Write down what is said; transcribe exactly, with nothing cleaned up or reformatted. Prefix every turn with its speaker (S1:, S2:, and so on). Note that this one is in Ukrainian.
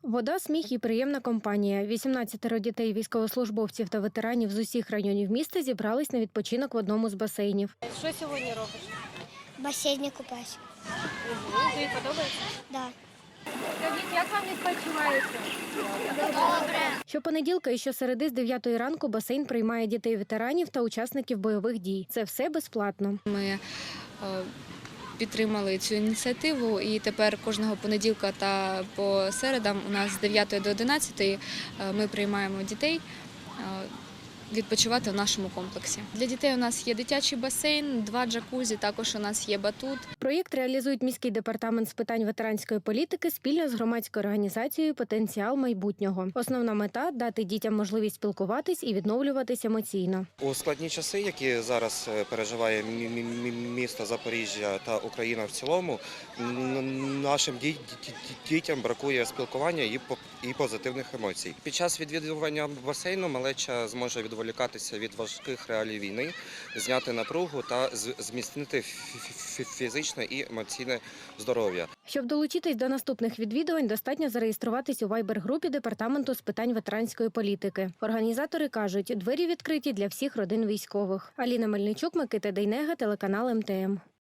S1: Вода, сміх і приємна компанія. вісімнадцятеро дітей військовослужбовців та ветеранів з усіх районів міста зібрались на відпочинок в одному з басейнів.
S2: Що сьогодні робиш?
S3: В басейні купаюсь.
S2: Угу. Тобі подобається?
S3: Да.
S2: Скажіть, як вам відпочивається?
S3: Добре.
S1: Щопонеділка і щосереди з дев'ятої ранку басейн приймає дітей-ветеранів та учасників бойових дій. Це все безплатно.
S4: Ми е, підтримали цю ініціативу, і тепер кожного понеділка та по середам у нас з дев'ятої до одинадцятої е, ми приймаємо дітей е, відпочивати в нашому комплексі. Для дітей у нас є дитячий басейн, два джакузі, також у нас є батут.
S1: Проєкт реалізують міський департамент з питань ветеранської політики спільно з громадською організацією «Потенціал майбутнього». Основна мета – дати дітям можливість спілкуватись і відновлюватись емоційно.
S5: У складні часи, які зараз переживає мі- мі- місто Запоріжжя та Україна в цілому, н- нашим ді- ді- дітям бракує спілкування і по- і позитивних емоцій. Під час відвідування басейну малеча зможе відволікатися від важких реалій війни, зняти напругу та з- зміцнити фі- фі- фізичне і емоційне здоров'я.
S1: Щоб долучитись до наступних відвідувань, достатньо зареєструватись у вайбер-групі департаменту з питань ветеранської політики. Організатори кажуть, двері відкриті для всіх родин військових. Аліна Мельничук, Микита Дейнега, телеканал ем те ем.